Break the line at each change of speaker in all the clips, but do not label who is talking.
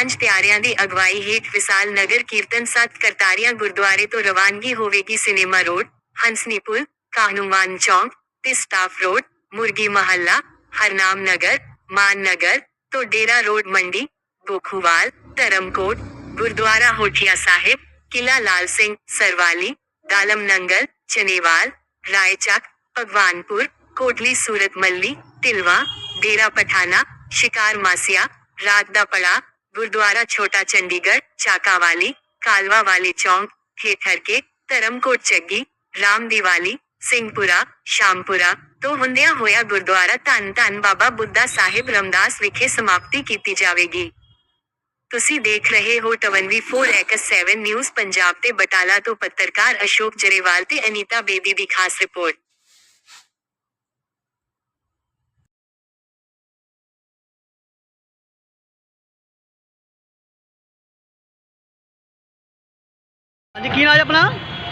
सांझ प्यारिਆਂ ਦੀ ਅਗਵਾਈ ਹੇਠ ਵਿਸਾਲ ਨਗਰ ਕੀਰਤਨ 7 ਕਰਤਾਰੀਆ ਗੁਰਦੁਆਰੇ ਤੋਂ ਰਵਾਨਗੀ ਹੋਵੇਗੀ। ਸਿਨੇਮਾ ਰੋਡ, ਹੰਸਨੀ ਪੁਲ, ਕਾਹਨੂੰਵਾਨ ਚੌਂਕ ਤੇ ਸਟਾਫ ਰੋਡ, ਮੁਰਗੀ ਮਹੱਲਾ, ਹਰਨਾਮ ਨਗਰ, ਮਾਨ ਨਗਰ ਤੋਂ ਡੇਰਾ ਰੋਡ ਮੰਡੀ, ਗੋਖੂਵਾਲ, ਧਰਮਕੋਟ, ਗੁਰਦੁਆਰਾ ਹੋਠੀਆ ਸਾਹਿਬ, ਕਿਲਾ ਲਾਲ ਸਿੰਘ, ਸਰਵਾਲੀ, ਦਾਲਮ ਨੰਗਲ, ਚਨੇਵਾਲ, ਰਾਏਚੱਕ, ਭਗਵਾਨਪੁਰ, ਕੋਟਲੀ ਸੂਰਤ ਮੱਲੀ, ਢਿਲਵਾ, ਡੇਰਾ ਪਠਾਨਾ, शिकार मासिया, रात दा पड़ा, गुरुद्वारा छोटा चंडीगढ़, चाकावाली, कालवा वाली चौंक, हेठर के, धर्मकोट चग्गी, राम दिवाली, सिंहपुरा, शामपुरा तो हुंदिया होया गुरुद्वारा धन धन बाबा बुद्धा साहिब रमदास विखे समाप्ति कीती जावेगी। तुसी देख रहे हो 24x7 न्यूज़ पंजाब ते बटाला तो पत्रकार अशोक जरेवाल ते अनीता बेदी दी खास रिपोर्ट।
हाँ जी, की नाम है अपना?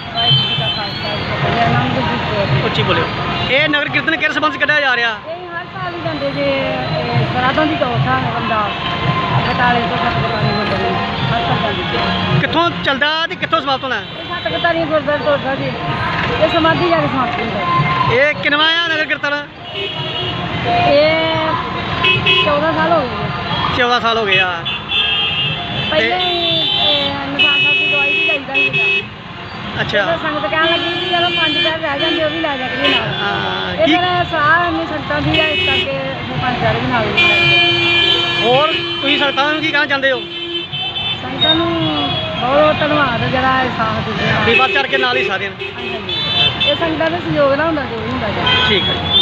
उच्ची बोलियो। ये नगर कीर्तन किस संबंध कढ़िया जा रहा?
हर साल ही जाते जे सराधों की चौथा रमदास बटाले तो सतगुरबानी गुरुद्वारे हर साल जाते।
कित्थों चलदा ते कित्थों समाप्त होना?
सतगुरबानी गुरुद्वारे तोड़दा जी ये समाधि जाके समाप्त होंदा।
ये किनवा है नगर कीर्तन?
ये 14 साल हो गए।
14 साल हो गए यार।
पहले निशान साहब की दवाई भी जाइदा ही
अच्छा।
संगत कह लगी कि चलो 5 पैर रह जाते भी लै जाके नाल।
हाँ,
इधर साह नहीं सकता भी है इस करके 5 पैर भी नाल
और तुसीं संगतां नूं की कहना चाहते हो?
संगतां नूं बहुत धन्नवाद जरा साथ दिंदे
भी बढ़ चढ़ के नाल ही सारे
ये संगतां दे सहयोग ना हुंदा जो भी हुंदा।
ठीक है।